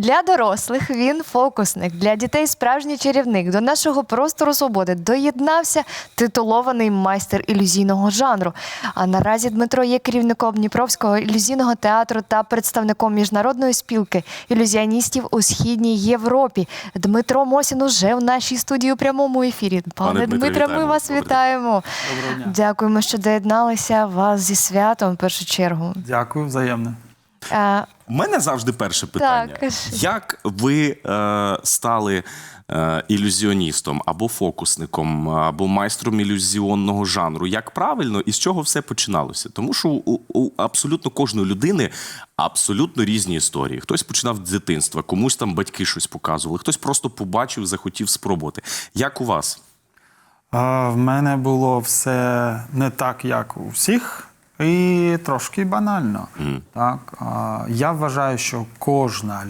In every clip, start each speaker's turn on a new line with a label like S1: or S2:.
S1: Для дорослих він фокусник, для дітей справжній чарівник. До нашого простору свободи доєднався титулований майстер ілюзійного жанру. А наразі Дмитро є керівником Дніпровського ілюзійного театру та представником міжнародної спілки ілюзіоністів у Східній Європі. Дмитро Мосін уже в нашій студії у прямому ефірі. Пане Дмитре, ми вас вітаємо.
S2: Доброго дня.
S1: Дякуємо, що доєдналися. Вас зі святом, в першу чергу.
S2: Дякую, взаємно.
S3: У мене завжди перше питання.
S1: Так, кажи.
S3: Як ви стали ілюзіоністом, або фокусником, або майстром ілюзіонного жанру? Як правильно і з чого все починалося? Тому що у абсолютно кожної людини абсолютно різні історії. Хтось починав з дитинства, комусь там батьки щось показували, хтось просто побачив, захотів спробувати. Як у вас?
S2: В мене було все не так, як у всіх, і трошки банально. Так? Я вважаю, що кожна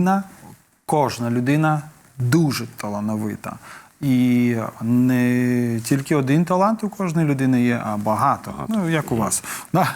S2: людина дуже талановита. І не тільки один талант у кожної людини є, а багато. Ну, як у вас.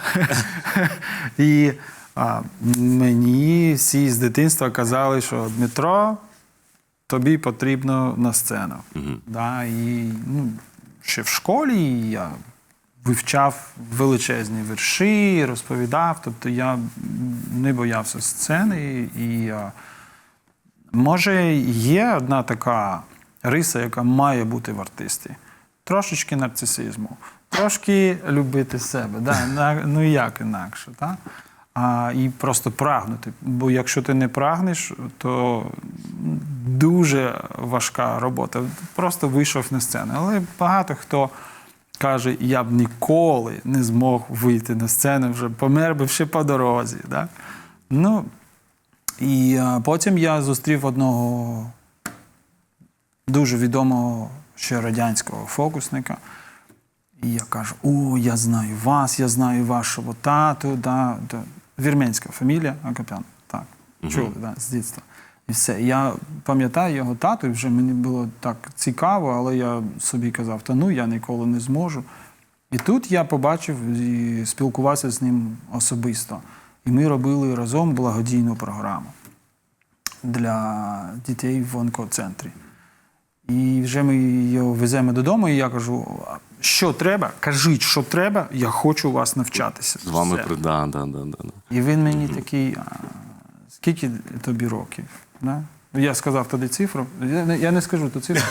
S2: І мені всі з дитинства казали, що Дмитро, тобі потрібно на сцену. Да, і ще в школі я вивчав величезні вірші, розповідав, тобто я не боявся сцени. І може є одна така риса, яка має бути в артисті. Трошечки нарцисизму, трошки любити себе, да? Ну як інакше. Да? І просто прагнути. Бо якщо ти не прагнеш, то дуже важка робота. Просто вийшов на сцену. Але багато хто каже, я б ніколи не змог вийти на сцену, вже помер би ще по дорозі. Да? Ну, і потім я зустрів одного дуже відомого ще радянського фокусника. І я кажу, я знаю вас, я знаю вашого тату. Да, вірменська фамілія, Акопян. Так, чули, да, з дитинства. І все. Я пам'ятаю його тату, і вже мені було так цікаво, але я собі казав, я ніколи не зможу. І тут я побачив і спілкувався з ним особисто. І ми робили разом благодійну програму для дітей в онкоцентрі. І вже ми його веземо додому, і я кажу, що треба, кажіть, що треба, я хочу у вас навчатися.
S3: З вами да.
S2: І він мені такий, скільки тобі років? Да? Я сказав тоді цифру, я не скажу ту цифру.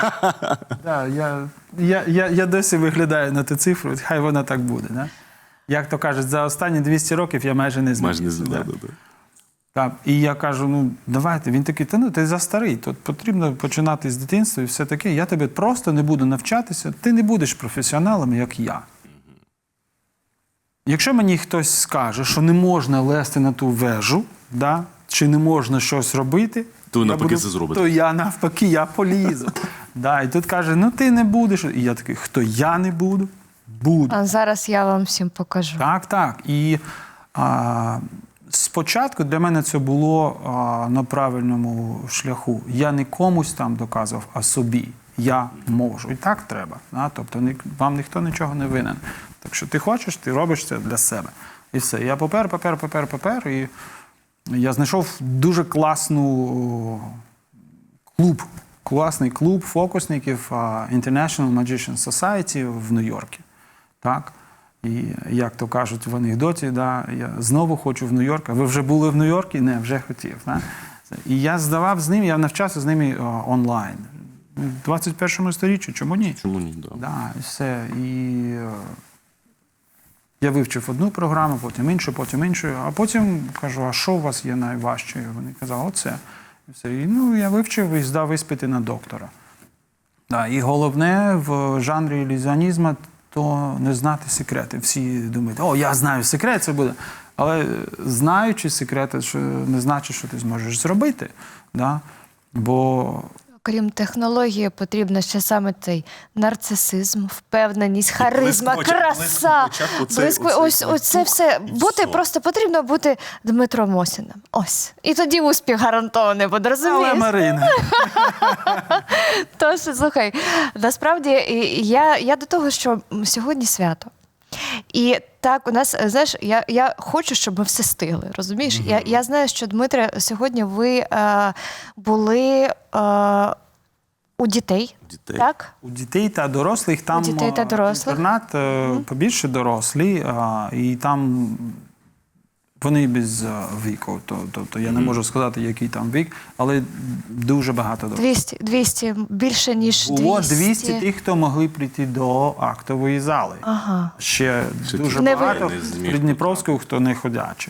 S2: Я досі виглядаю на ту цифру, хай вона так буде. Да? Як то кажуть, за останні 200 років я майже не змінився. Так, і я кажу, давайте. Він такий, ти застарий, тут потрібно починати з дитинства і все таке. Я тебе просто не буду навчатися, ти не будеш професіоналом, як я. Якщо мені хтось скаже, що не можна лезти на ту вежу, да, чи не можна щось робити,
S3: то навпаки це зробите.
S2: То я навпаки, я полізу. Да, і тут каже, ти не будеш. І я такий, хто я не буду? Буду.
S1: А зараз я вам всім покажу.
S2: Так. І спочатку для мене це було на правильному шляху. Я не комусь там доказував, а собі. Я можу. І так треба. Да? Тобто вам ніхто нічого не винен. Так що ти хочеш, ти робиш це для себе. І все. Я попер. І я знайшов дуже класний клуб фокусників International Magician Society в Нью-Йорку. Так? І, як то кажуть в анекдоті, я знову хочу в Нью-Йорк. А ви вже були в Нью-Йорку? Не, вже хотів. Да? І я здавав з ними, я навчався з ними онлайн. В 21 сторіччі, чому ні?
S3: Чому ні, да.
S2: Да, і все. І я вивчив одну програму, потім іншу, а потім кажу, а що у вас є найважче? Вони казали, оце. І все. І, я вивчив і здав іспити на доктора. Да, і головне в жанрі ілюзіонізму то не знати секрети. Всі думають, я знаю секрет, це буде. Але знаючи секрети, що не значить, що ти зможеш зробити. Да? Бо
S1: Крім технології, потрібно ще саме цей нарцисизм, впевненість, харизма, краса. Ось це все. Просто потрібно бути Дмитром Мосіним. Ось. І тоді успіх гарантований буде, розумієш?
S2: Але, Марина.
S1: Тож, слухай, насправді, я до того, що сьогодні свято. І так, у нас, знаєш, я хочу, щоб ми все стигли, розумієш? Я знаю, що, Дмитре, сьогодні ви були у дітей, так?
S2: У дітей та дорослих там
S1: дітей та дорослих.
S2: інтернат побільше дорослі, і там вони без віку. Тобто я не можу сказати, який там вік, але дуже багато дорослих.
S1: 200, більше, ніж 200.
S2: Було 200 тих, хто могли прийти до актової зали.
S1: Ага.
S2: Ще дуже
S1: Не
S2: багато
S3: не зміг.
S2: в Придніпровську, хто не ходячий.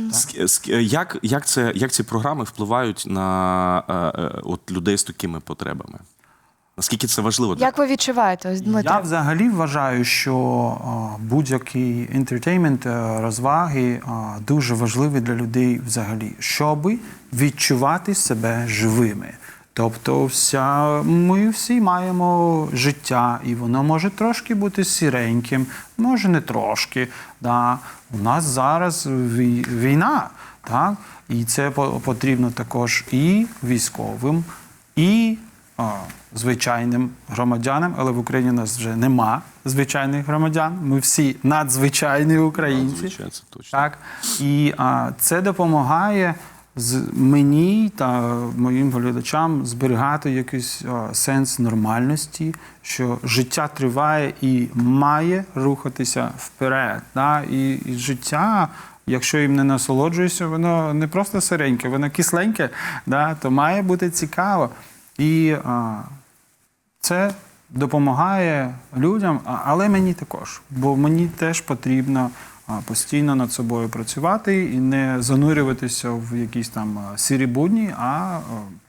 S3: Як ці програми впливають на от людей з такими потребами? Наскільки це важливо?
S1: Як ви відчуваєте, ось, Дмитро?
S2: Я взагалі вважаю, що будь-який інтертеймент, розваги дуже важливі для людей взагалі, щоб відчувати себе живими. Тобто ми всі маємо життя, і воно може трошки бути сіреньким, може не трошки. Да. У нас зараз війна, так? І це потрібно також і військовим, і звичайним громадянам, але в Україні у нас вже нема звичайних громадян. Ми всі надзвичайні українці.
S3: Звичайно, це точно.
S2: Так? І це допомагає мені та моїм глядачам зберігати якийсь сенс нормальності, що життя триває і має рухатися вперед. Да? І життя, якщо їм не насолоджуєшся, воно не просто сиреньке, воно кисленьке, да? То має бути цікаво. І це допомагає людям, але мені також, бо мені теж потрібно постійно над собою працювати і не занурюватися в якісь там сірі будні, а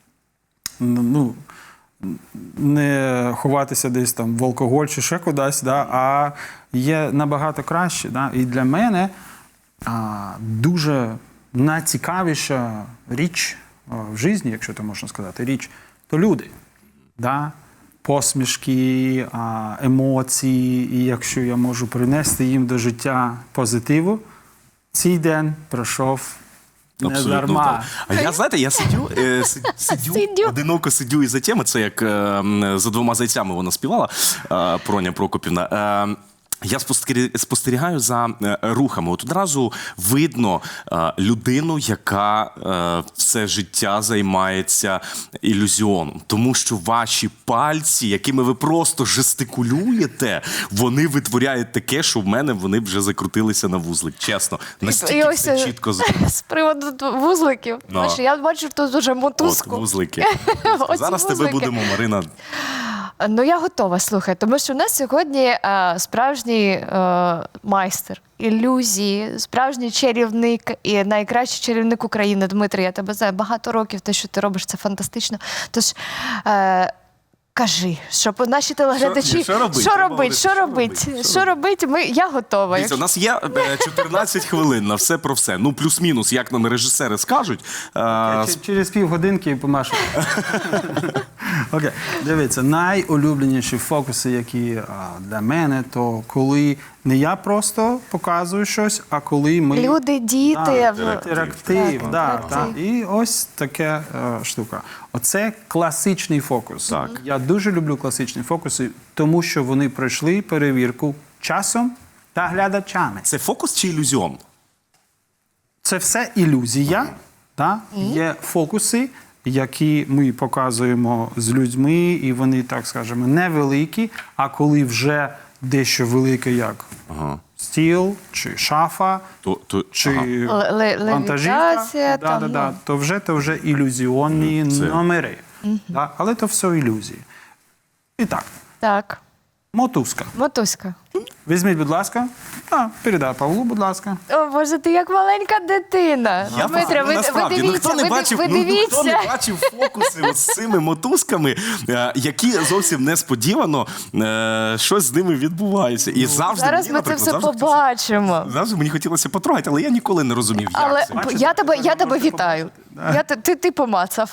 S2: не ховатися десь там в алкоголь чи ще кудись, да, а є набагато краще. Да. І для мене дуже найцікавіша річ в житті, якщо то можна сказати, річ, то люди. Да? Посмішки, емоції, і якщо я можу принести їм до життя позитиву, цей день пройшов не
S3: Абсолютно
S2: дарма.
S3: так. А я, знаєте, я сидю, одиноко сидю із-за теми, це як «За двома зайцями» вона співала, Проня Прокопівна. Я спостерігаю за рухами. От одразу видно людину, яка все життя займається ілюзіоном. Тому що ваші пальці, якими ви просто жестикулюєте, вони витворяють таке, що в мене вони вже закрутилися на вузлик. Чесно. Настільки все чітко.
S1: З приводу вузликів.
S3: Ну.
S1: Знаєш, я бачу тут уже мотузку.
S3: От вузлики.
S1: Оці
S3: Зараз тебе
S1: вузлики.
S3: будемо, Марина.
S1: Ну, я готова, слухай, тому що у нас сьогодні справжній майстер ілюзії, справжній чарівник і найкращий чарівник України. Дмитро, я тебе знаю багато років, те, що ти робиш, це фантастично. Tож, кажи, щоб наші телеглядачі... Що робить? Я готова.
S3: Дивіться, у нас є 14 хвилин на все про все. Ну, плюс-мінус, як нам режисери скажуть.
S2: Через півгодинки помашу. Окей, дивіться, найулюбленіші фокуси, які для мене, то коли не я просто показую щось, а коли ми...
S1: Люди, діти.
S2: Інтерактив,
S1: Так.
S2: І ось така штука. Оце класичний фокус.
S3: Так.
S2: Я дуже люблю класичні фокуси, тому що вони пройшли перевірку часом та глядачами.
S3: Це фокус чи ілюзіон?
S2: Це все ілюзія. Є фокуси, які ми показуємо з людьми, і вони, так скажемо, невеликі, а коли вже дещо велике, як стіл, чи шафа, чи вантажівка,
S1: левітація,
S2: то вже ілюзіонні номери. Але то все ілюзії. І так, мотузка.
S1: Мотузка.
S2: Візьміть, будь ласка. Передай Павлу, будь ласка.
S1: О, Боже, ти як маленька дитина. Дмитро, ви
S3: Хто не
S1: дивіться.
S3: бачив фокуси от з цими мотузками, які зовсім несподівано щось з ними відбувається. І завжди
S1: Зараз
S3: мені,
S1: ми це
S3: наприклад,
S1: все побачимо.
S3: завжди мені хотілося потрогати, але я ніколи не розумів, як
S1: Але
S3: це.
S1: я тебе вітаю. Ти помацав.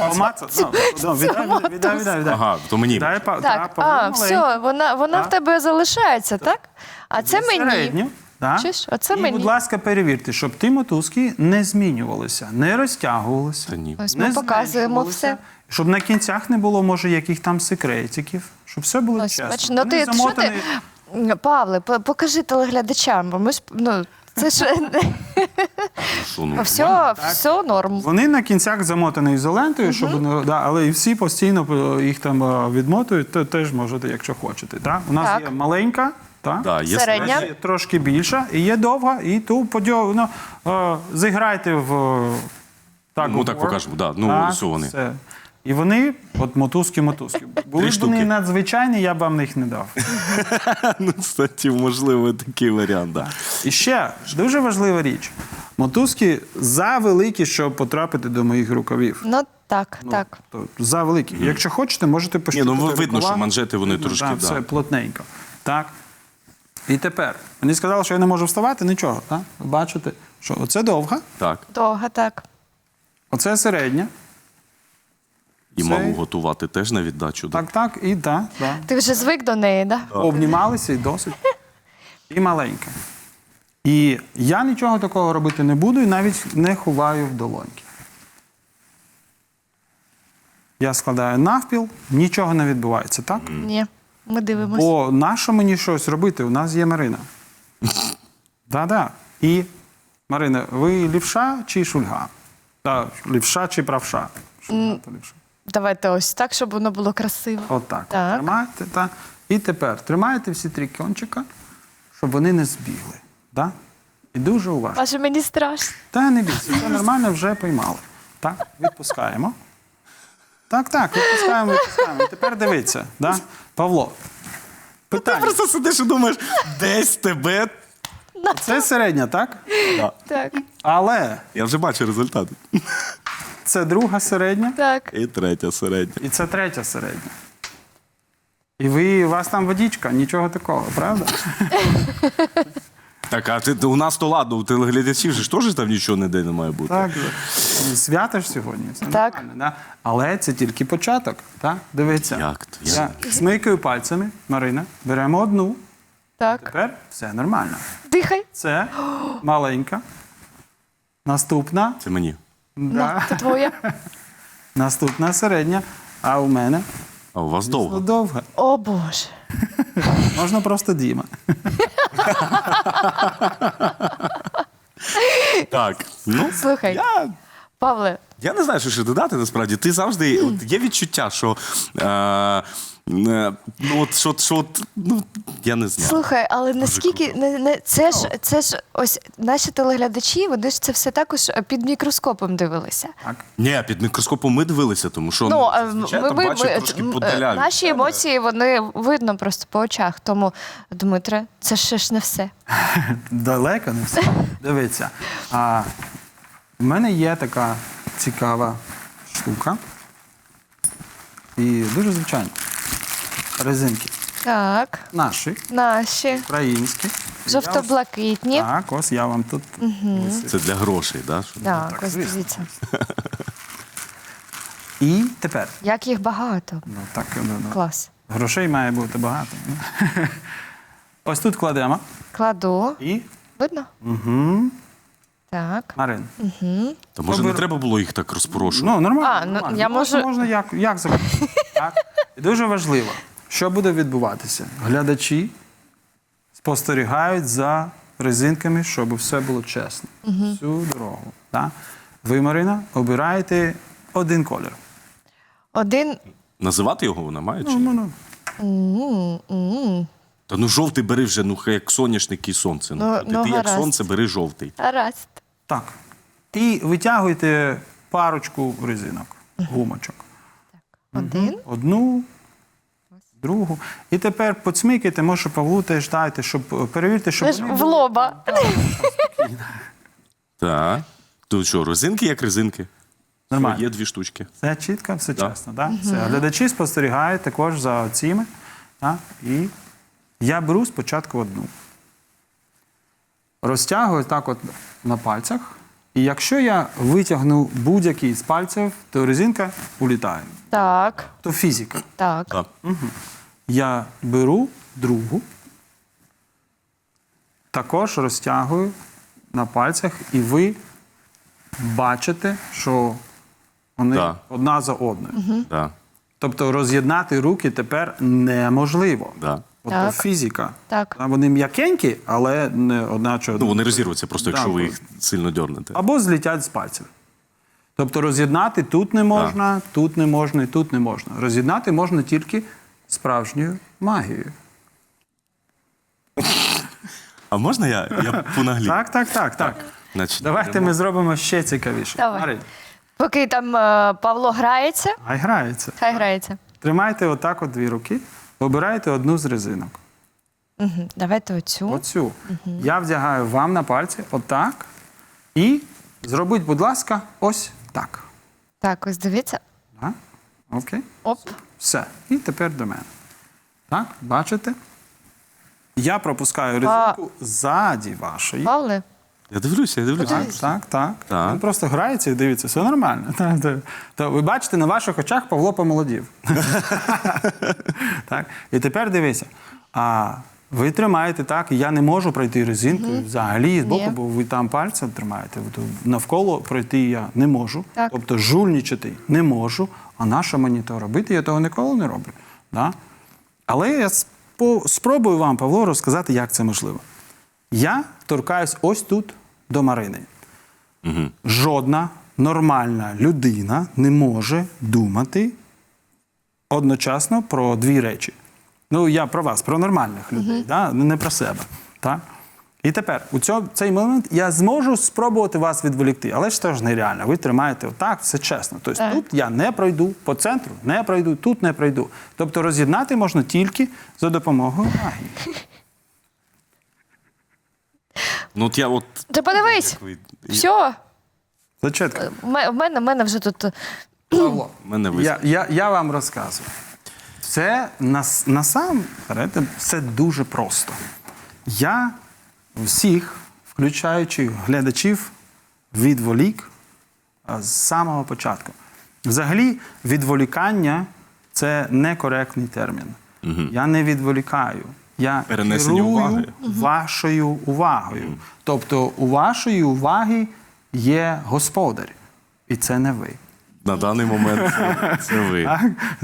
S2: Віддай.
S3: Ага, то мені.
S1: Так, все, вона в тебе залишається, так? А це мені.
S2: Середню.
S1: Чуєш? Оце
S2: І,
S1: мені.
S2: будь ласка, перевірте, щоб ті мотузки не змінювалися, не розтягувалися.
S3: Та ні.
S1: Ось
S2: не
S1: ми показуємо
S2: зменшувалися,
S1: все.
S2: Щоб на кінцях не було, може, яких там секретиків, щоб все було
S1: Ось,
S2: чесно.
S1: бач, ну
S2: Вони
S1: ти, що
S2: замотані
S1: ти Павле, покажи телеглядачам, бо ми ж, це ж
S3: Що, ну,
S1: все норм.
S2: Вони на кінцях замотані ізолентою, щоб але і всі постійно їх там відмотують, то теж можете, якщо хочете. Так? У нас
S1: Так.
S2: є маленька, так?
S3: Да, є
S1: Середня.
S2: Є трошки більша, і є довга, і ту зіграйте в так.
S3: Ну, так покажемо, да. Ну, ось вони.
S2: Все. І вони, от мотузки. Були б
S3: штуки.
S2: вони надзвичайні, я б вам їх не дав.
S3: Ну, кстати, можливо, такий варіант, да.
S2: І ще дуже важлива річ. Мотузки завеликі, щоб потрапити до моїх рукавів.
S1: Ну, так, так.
S2: То завеликі. Якщо хочете, можете пощупати
S3: ну, видно,
S2: рукава.
S3: що манжети, вони
S2: Видно,
S3: трошки,
S2: да,
S3: да.
S2: все плотненько. Так. І тепер. Мені сказали, що я не можу вставати, нічого. Так? Ви бачите, що оце довга,
S3: Так.
S1: Довго, так.
S2: оце середня.
S3: І
S2: Це-
S3: малу готувати теж на віддачу. Да?
S2: Так, і так. Да.
S1: Ти вже звик до неї, так? Да?
S2: Обнімалися і досить. І маленька. І я нічого такого робити не буду і навіть не ховаю в долоньки. Я складаю навпіл, нічого не відбувається, так?
S1: Ні, ми дивимося.
S2: Бо нащо мені щось робити? У нас є Марина. Да-да. І, Марина, ви лівша чи шульга? Лівша чи правша? Шульга то лівша.
S1: Давайте ось так, щоб воно було красиво.
S2: Отак.
S1: Так.
S2: Тримайте. Та. І тепер тримаєте всі три кінчика, щоб вони не збігли. Да? І дуже уважно.
S1: Аж мені страшно.
S2: Та не бійся, все нормально, вже поймали. Так, відпускаємо. Так, відпускаємо. І тепер дивіться. Да? Павло,
S3: Ти
S2: питання.
S3: просто сидиш і думаєш, десь тебе.
S2: Це середня, так?
S3: Да.
S1: Так,
S2: Але
S3: Я вже бачу результат.
S2: це друга середня
S1: так.
S3: І третя середня.
S2: і це третя середня. І у вас там водичка, нічого такого, правда?
S3: Так, а у нас то ладно, у телеглядачів же ж теж там нічого ніде не має бути.
S2: Так, свято ж сьогодні. Все
S1: Так.
S2: нормально, да? Але це тільки початок. Так? Дивіться.
S3: Як то?
S2: Я смикаю пальцями, Марина, беремо одну,
S1: Так.
S2: тепер все нормально.
S1: Дихай.
S2: Це маленька. Наступна.
S3: Це мені.
S2: Да.
S1: Це твоє.
S2: Наступна середня. А у мене
S3: А у вас довго.
S2: довга.
S1: О, Боже.
S2: Можна просто Діма.
S3: Так. Ну,
S1: Слухай, Павле,
S3: я не знаю, що ще додати, насправді. Ти завжди, от, є відчуття, що, я не знаю.
S1: слухай, але наскільки це ж ось наші телеглядачі, вони ж це все також під мікроскопом дивилися.
S2: Так.
S3: Ні, під мікроскопом ми дивилися, тому що зазвичай там бачать трошки подаля.
S1: наші емоції, вони видно просто по очах. Тому, Дмитре, це ще ж не все.
S2: Далеко не все. Дивіться. В мене є така цікава штука. І дуже звичайно. Резинки.
S1: Так,
S2: Наші,
S1: наші
S2: українські.
S1: жовто-блакитні.
S2: Так, ось я вам тут. висиплю.
S3: Це для грошей, да? Щоб-
S1: Так, ось
S2: звісно.
S1: дивіться.
S2: І тепер.
S1: Як їх багато.
S2: Ну, так,
S1: Клас.
S2: грошей має бути багато. Ось тут кладемо.
S1: Кладу.
S2: І
S1: Видно?
S2: угу.
S1: Так.
S2: Марин.
S3: Та може не треба було їх так розпорошувати?
S2: Ну, нормально.
S1: А, ну,
S2: нормально.
S1: я можу-
S2: Можна як захочете. Так? І дуже важливо, що буде відбуватися. Глядачі спостерігають за резинками, щоб все було чесно. Всю дорогу. Так? Ви, Марина, обираєте один колір.
S1: Один.
S3: Називати його вона має чи
S2: Ну,
S3: ні? Та ну жовтий бери вже, ну як соняшник і сонце.
S1: Ну,
S3: Ти як
S1: гаразд.
S3: сонце, бери жовтий.
S1: Гаразд.
S2: Так. І витягуйте парочку резинок, гумочок.
S1: Один.
S2: Одну, другу. І тепер поцмикайте, може Павлу теж дайте, щоб перевірте, щоб
S1: Ви ж
S2: вони
S1: в
S2: були-
S1: лоба.
S3: Так. Тут що, резинки як резинки?
S2: Нормально.
S3: Є дві штучки.
S2: Все чітко, все
S3: Да.
S2: чесно. Да? Все. Глядачі спостерігають також за цими. Да? І я беру спочатку одну. Розтягую так от на пальцях. І якщо я витягну будь-який з пальців, то резинка улітає.
S1: Так,
S2: То фізика.
S1: так.
S3: Так.
S2: Я беру другу, також розтягую на пальцях, і ви бачите, що вони
S3: Да.
S2: одна за одною.
S3: Да.
S2: Тобто роз'єднати руки тепер неможливо.
S3: Да.
S1: Так.
S2: фізика.
S1: Так.
S2: Вони м'якенькі, але не одначе.
S3: Ну, вони розірвуться просто, якщо
S2: Да,
S3: ви їх сильно дьорнете.
S2: або злетять з пальців. Тобто роз'єднати тут не можна, тут не можна і тут не можна. Роз'єднати можна тільки справжньою магією.
S3: А можна я понаглію?
S2: Так.
S3: Значить,
S2: Давайте
S3: беремо.
S2: ми зробимо ще цікавіше.
S1: Давай.
S2: Марин,
S1: Поки там Павло грається,
S2: хай грається.
S1: хай грається.
S2: Тримайте отак от 2 руки, обирайте одну з резинок.
S1: Угу. Давайте оцю.
S2: Оцю. Я вдягаю вам на пальці отак. І зробіть, будь ласка, ось так.
S1: Так, ось дивіться.
S2: Так? Окей?
S1: Оп.
S2: Все. І тепер до мене. Так, бачите? Я пропускаю резинку ззаді вашої.
S1: Павле,
S3: Я дивлюся.
S2: Так.
S3: Так.
S2: Він просто грається і дивиться, все нормально. То ви бачите, на ваших очах Павло помолодів. Так. І тепер дивися. Ви тримаєте так, і я не можу пройти резинкою взагалі з боку,
S1: Ні.
S2: бо ви там пальцем тримаєте. Навколо пройти я не можу.
S1: Так.
S2: Тобто жульничати не можу, а наша мені то робити, я того ніколи не роблю. Да? Але я спробую вам, Павло, розказати, як це можливо. Я торкаюсь ось тут до Марини. Жодна нормальна людина не може думати одночасно про 2 речі. Ну, я про вас, про нормальних людей, да? Не про себе. Так? І тепер, у цей момент я зможу спробувати вас відволікти, але ж це ж нереально. Ви тримаєте отак, все чесно. Тобто
S1: Так.
S2: тут я не пройду, по центру не пройду, тут не пройду. Тобто роз'єднати можна тільки за допомогою магії.
S3: Ну, от я от...
S1: ти подивись.
S3: як ви-
S1: Все.
S2: Зачетка.
S1: В мене вже тут.
S2: Павло,
S3: Мене вис-
S2: я вам розказую. Це насамперед все дуже просто. Я всіх, включаючи глядачів, відволік з самого початку. Взагалі, відволікання – це некоректний термін. Я не відволікаю. Я
S3: Перенесення
S2: керую
S3: уваги.
S2: вашою увагою. Тобто у вашої уваги є господар. І це не ви.
S3: На даний момент це ви.
S2: Так?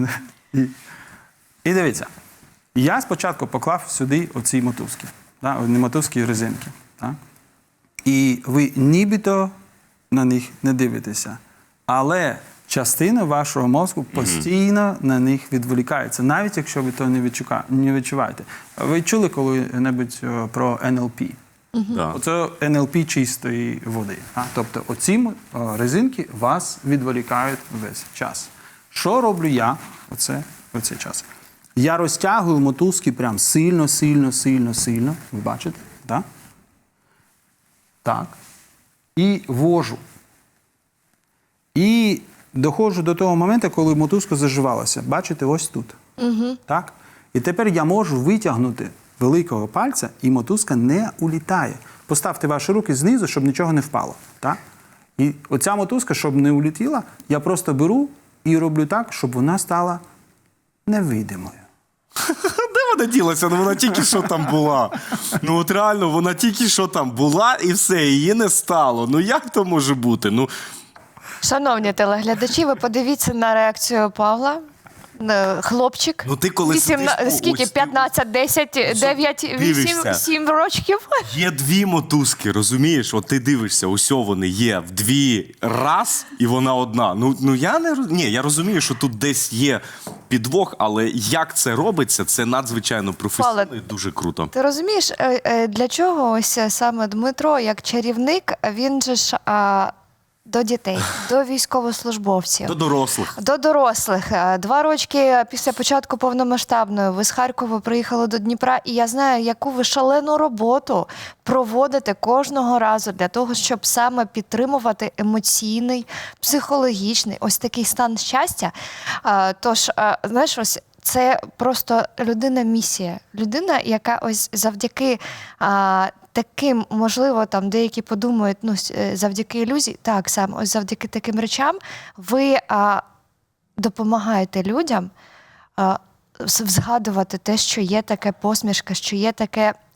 S2: І дивіться, я спочатку поклав сюди оці мотузки, да? Не мотузки, резинки. Так? І ви нібито на них не дивитеся. Але частина вашого мозку постійно на них відволікається, навіть якщо ви то не відчуваєте. Ви чули коли-небудь про НЛП?
S3: Да.
S2: Оце НЛП чистої води. Тобто оці резинки вас відволікають весь час. Що роблю я в цей час? Я розтягую мотузки прям сильно. Ви бачите? Так? Так. І вожу. І доходжу до того моменту, коли мотузка заживалася. Бачите, ось тут. Так? І тепер я можу витягнути великого пальця, і мотузка не улітає. Поставте ваші руки знизу, щоб нічого не впало. Так? І оця мотузка, щоб не улетіла, я просто беру і роблю так, щоб вона стала невидимою.
S3: Де вона ділася? Ну вона тільки що там була. Ну от реально, вона тільки що там була і все, її не стало. Ну як то може бути? Ну,
S1: Шановні телеглядачі, ви подивіться на реакцію Павла. Хлопчик.
S3: Ну, ти коли сидиш,
S1: скільки?
S3: ось ти-
S1: 15, 10, 9, 8,
S3: дивишся.
S1: 7 років.
S3: є 2 мотузки, розумієш? От ти дивишся, усьо вони є в 2 раз, і вона одна. Ну я не ні, я розумію, що тут десь є підвох, але як це робиться, це надзвичайно професійно і дуже круто.
S1: Ти розумієш, для чого ось саме Дмитро, як чарівник, він же ж до дітей, до військовослужбовців.
S3: До дорослих.
S1: До дорослих. 2 роки після початку повномасштабної ви з Харкова приїхали до Дніпра, і я знаю, яку ви шалену роботу проводите кожного разу для того, щоб саме підтримувати емоційний, психологічний, ось такий стан щастя. Тож, знаєш, ось це просто людина-місія. Людина, яка ось завдяки таким, можливо, там деякі подумають, ну, завдяки ілюзії, так, саме, ось завдяки таким речам ви допомагаєте людям згадувати те, що є таке посмішка, що є таке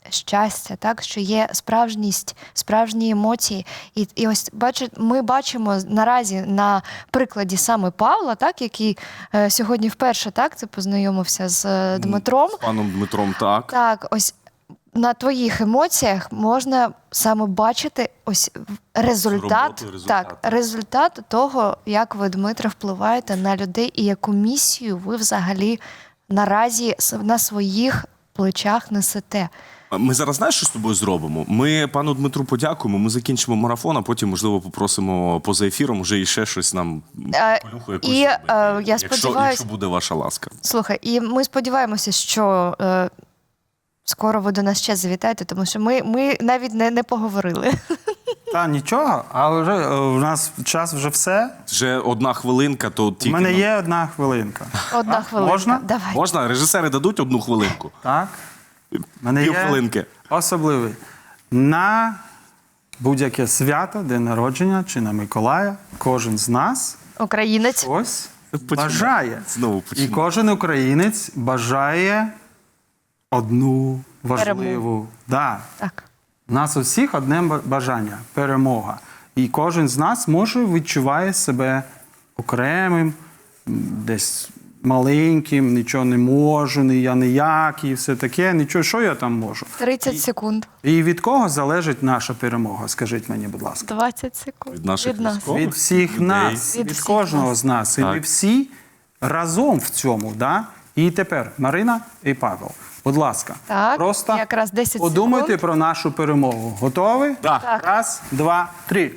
S1: щастя, так, що є справжність, справжні емоції. І ось ми бачимо наразі на прикладі саме Павла, так, який сьогодні вперше так, ти познайомився з Дмитром.
S3: З паном Дмитром, так.
S1: Так, ось на твоїх емоціях можна саме бачити ось результат,
S3: Роботу,
S1: так, результат того, як ви, Дмитре, впливаєте на людей і яку місію ви взагалі наразі на своїх плечах несете.
S3: Ми зараз знаєш, що з тобою зробимо? Ми пану Дмитру подякуємо, ми закінчимо марафон, а потім, можливо, попросимо поза ефіром вже іще щось нам полюху якусь
S1: і,
S3: зробити.
S1: я сподіваюсь-
S3: якщо буде ваша ласка.
S1: Слухай, і ми сподіваємося, що скоро ви до нас ще завітаєте, тому що ми навіть не поговорили.
S2: Та нічого, але вже у нас час вже все.
S3: Вже 1 хвилинка, то
S2: У
S3: тільки
S2: мене
S3: нам-
S2: є 1 хвилинка.
S1: Одна хвилинка.
S2: можна?
S1: Давай.
S3: Можна? Режисери дадуть 1 хвилинку?
S2: Так? У мене є
S3: Півхвилинки.
S2: особливий. На будь-яке свято, день народження чи на Миколая, кожен з нас
S1: Українець.
S2: ось
S3: Починай.
S2: бажає.
S3: Знову
S2: І
S3: починай.
S2: кожен українець бажає одну важливу.
S1: Перемогу.
S2: Да.
S1: Так.
S2: У нас у всіх одне бажання перемога. І кожен з нас може відчуває себе окремим, десь маленьким, нічого не можу, я ніякий, все таке, нічого, що я там можу.
S1: 30 секунд.
S2: І від кого залежить наша перемога? Скажіть мені, будь ласка.
S1: 20 секунд.
S3: Від наших
S1: нас.
S3: військових?
S2: Від всіх
S3: людей.
S2: нас,
S1: Від
S2: від
S1: всіх
S2: кожного
S1: нас.
S2: з нас. І
S3: Так.
S2: ми всі разом в цьому. Да? І тепер Марина і Павел. Будь ласка,
S1: Так,
S2: просто
S1: якраз 10
S2: подумайте
S1: секунд.
S2: про нашу перемогу. Готові?
S3: Так.
S1: Так.
S2: 1, 2, 3.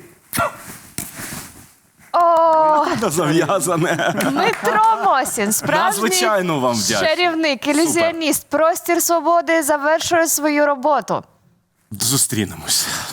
S1: О,
S3: Зав'язане.
S1: Дмитро Мосін, справжній
S3: Надзвичайно вам вдячний.
S1: чарівник, ілюзіоніст, простір свободи завершує свою роботу.
S3: Зустрінемось.